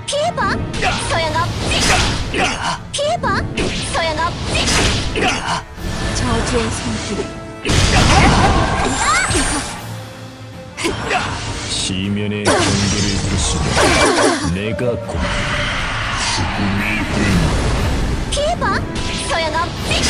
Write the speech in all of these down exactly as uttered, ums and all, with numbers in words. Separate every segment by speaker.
Speaker 1: 피해봐. 소용없지. 피해봐. 소용없지.
Speaker 2: 저주의 손길.
Speaker 3: 시면의 경계를 부수며 내가 곧
Speaker 1: 피해봐. 소용없지.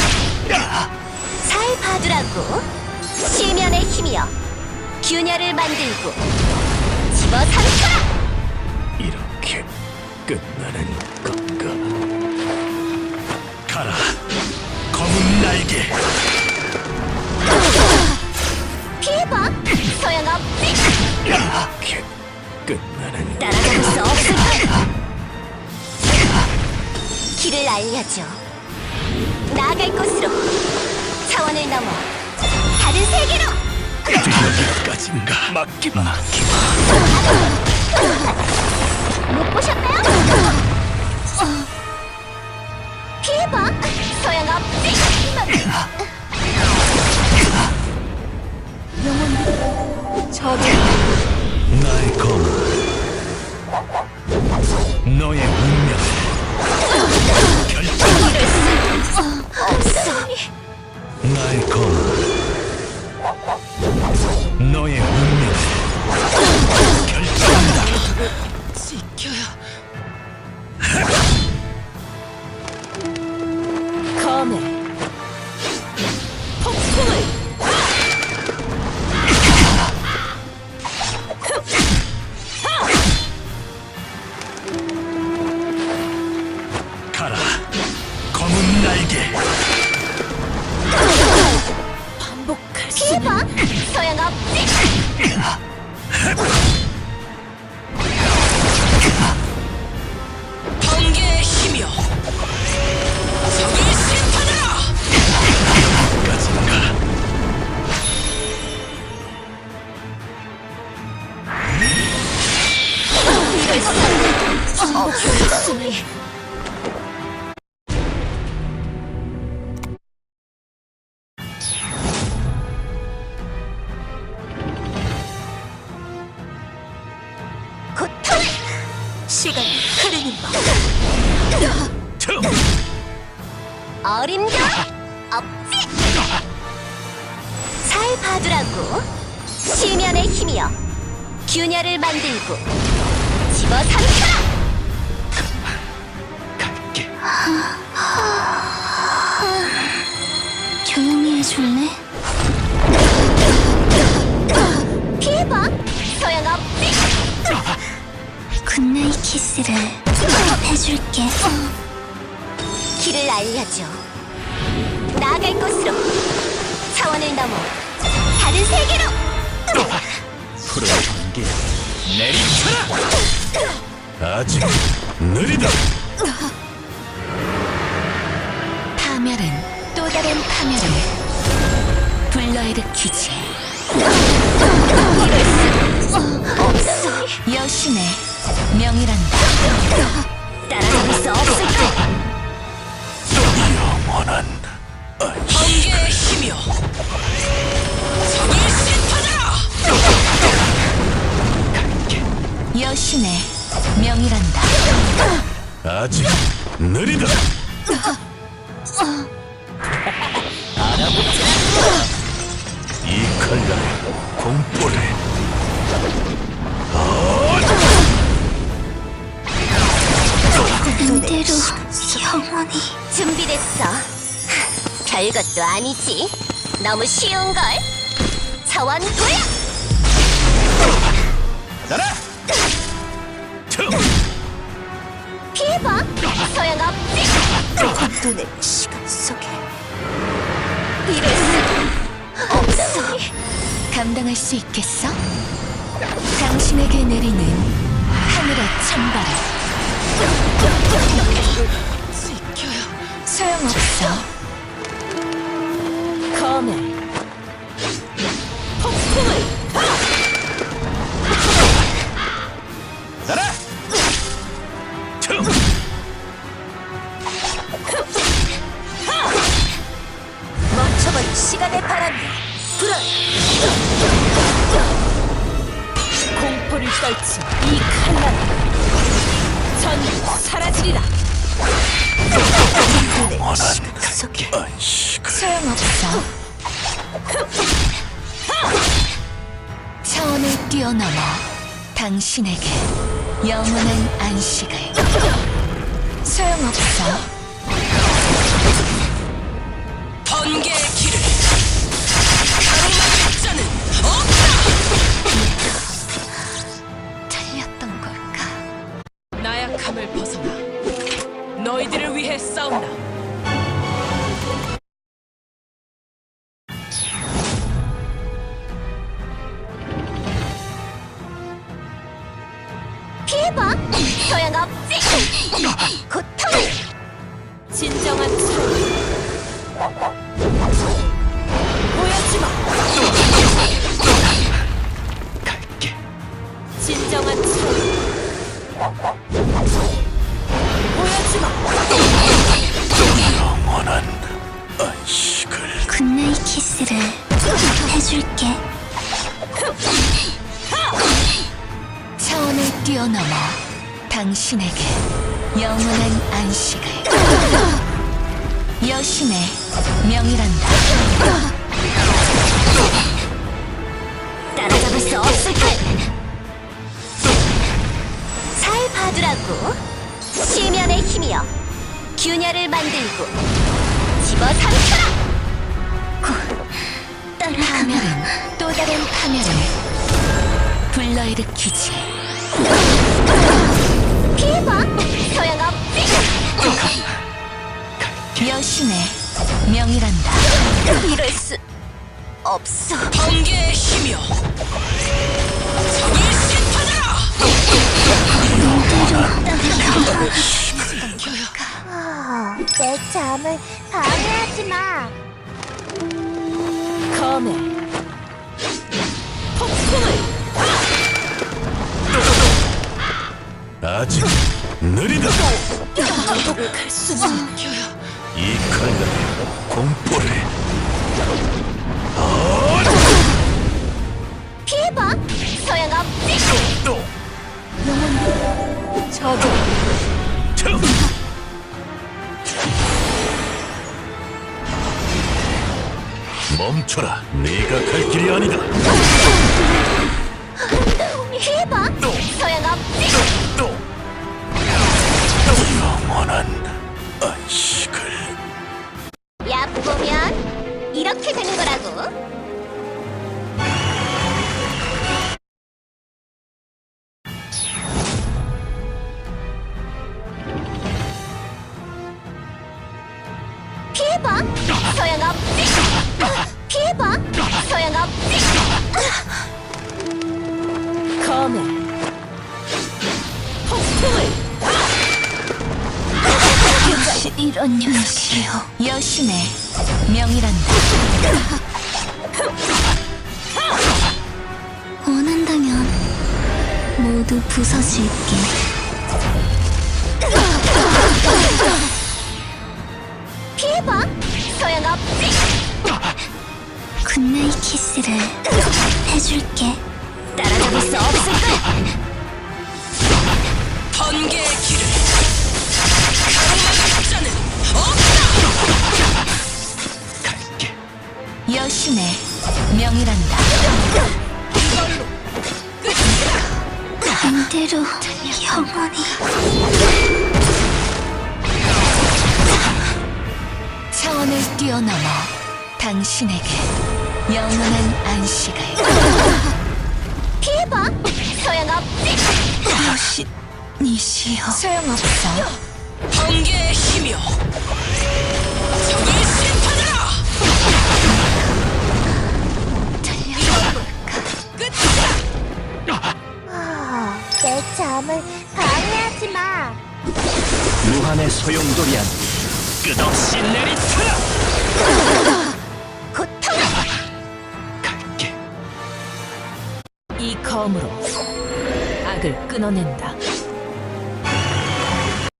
Speaker 1: 잘 봐두라고. 시면의 힘이여 균열을 만들고 집어삼켜라.
Speaker 3: 이렇게 끝나는 건가? 가라, 검은 날개.
Speaker 1: 피해봐. 소용없지.
Speaker 3: 이렇게 끝나는
Speaker 1: 따라갈 수 없을까? 길을 알려줘. 나아갈 곳으로 차원을 넘어 다른 세계로.
Speaker 3: 여기까지인가? 맡기마. 맡기마.
Speaker 1: 못 보셨나요? 어. 피해봐. 소용없지.
Speaker 2: 영혼이 저주.
Speaker 3: 나의 검, 너의 운명을 결정한다.
Speaker 1: 없어.
Speaker 3: 나의 검, 너의 운명을 결정한다.
Speaker 2: 지켜야. 검에 폭풍을.
Speaker 3: 가라, 검은 날개.
Speaker 2: 반복할 수.
Speaker 1: 피해봐. 소용없지.
Speaker 2: 번개의 힘이여. 적을 심판하라.
Speaker 3: 까지인가?
Speaker 1: 이럴 수 없으니. 고통을.
Speaker 2: 시간이 흐르는 법.
Speaker 3: tum.
Speaker 1: 어림도 없지. 잘 봐두라고. 시면의 힘이여 균열을 만들고 집어삼켜라.
Speaker 3: 갈게.
Speaker 1: 조용히 해줄래? 피해봐. 소용없지. 굿나잇 키스를 해줄게. 길을 알려줘. 나아갈 곳으로 차원을 넘어 다른 세계로.
Speaker 3: 푸른 번개 내리쳐라. 아직 느리다.
Speaker 2: 파멸은 또 다른 파멸을 불러일으키지.
Speaker 1: 없어.
Speaker 2: 여신의 명이란다.
Speaker 1: 따라갈 수 없을까?
Speaker 3: 영원한 안식.
Speaker 2: 번개의 힘이여. 적을 심판하라. 여신의 명이란다.
Speaker 3: 아직 느리다. 이 칼날의 공포를
Speaker 1: 그대로 영원히. 준비됐어. 별것도 아니지. 너무 쉬운걸. 차원 도약.
Speaker 3: 나라. tum.
Speaker 1: 피해봐. 소용없지.
Speaker 2: 혼돈의 시간 속에
Speaker 1: 이럴 수 없어.
Speaker 2: 감당할 수 있겠어? 당신에게 내리는 하늘의 찬바람. 지켜요. 소용없어. 검에 폭풍을.
Speaker 3: 나라. tum.
Speaker 2: 멈춰버린 시간의 바람이여 불어. 공포를 떨친 이 칼날. 전부 사라지리라.
Speaker 3: 원한 안식을.
Speaker 2: 소용없어. 차원을 뛰어넘어 당신에게 영원한 안식을. 소용없어. 번개의 길을 가로막을 자는 없다.
Speaker 1: 틀렸던 걸까?
Speaker 2: 나약함을 벗어나 너희들을 위해 싸운다.
Speaker 1: 피해봐. 소용없지. 고통을.
Speaker 2: 진정한 차원 보여주마.
Speaker 3: 갈게.
Speaker 2: 진정한 차원 보여주마.
Speaker 3: 영원한 안식을.
Speaker 1: 굿나잇 키스를 해줄게.
Speaker 2: 차원을 뛰어넘어 당신에게 영원한 안식을. 여신의 명이란다.
Speaker 1: 따라잡을 수 없을 걸. 잘 봐두라고. 시면의 힘이여, 균열을 만들고 집어삼켜라.
Speaker 2: 파멸은 또 다른 파멸을 불러일으키지.
Speaker 1: 피해봐. 소용없지.
Speaker 2: 여신의 명이란다.
Speaker 1: 이럴 수 없어.
Speaker 2: 번개의 힘이여, 적을 심판하라.
Speaker 1: 내 잠을 방해하지 마.
Speaker 2: 검에 폭풍을.
Speaker 3: 아직 느리다.
Speaker 2: 갈 수는 켜요.
Speaker 3: 이 칼날의 공포를.
Speaker 1: 피해봐. 소용없지.
Speaker 3: 또.
Speaker 2: 저도
Speaker 3: 참. 멈춰라. 네가 갈 길이 아니다.
Speaker 1: 피해봐.
Speaker 3: 또.
Speaker 1: 소용없지.
Speaker 3: 또. 영원한 안식을.
Speaker 1: 얕보면 이렇게 되는 거라고. 피해봐. 소용없지. 피해봐. 소용없지.
Speaker 2: 검에 폭풍을.
Speaker 1: 이런 녀석이요.
Speaker 2: 여신의 명이란다.
Speaker 1: 원한다면 모두 부서질게. 피해봐. 소용없지. 굿나잇 키스를 해줄게. 따라잡을 수 없을 거야.
Speaker 2: 번개의 길을 가로막을 자는 없다.
Speaker 3: 갈게.
Speaker 2: 여신의 명이란다. 이걸로
Speaker 1: 반대로 영원히.
Speaker 2: 차원을 뛰어넘어 당신에게 영원한 안식을.
Speaker 1: 피해봐. 소용없지.
Speaker 2: 여신 니시여. 소용없어. 번개의 힘이여, 적을 심판하라.
Speaker 1: 끝이다. 내 잠을 방해하지 마.
Speaker 3: 무한의 소용돌이한 끝없이 내리쳐라.
Speaker 1: 고통.
Speaker 3: 갈게.
Speaker 2: 이 검으로 악을 끊어낸다.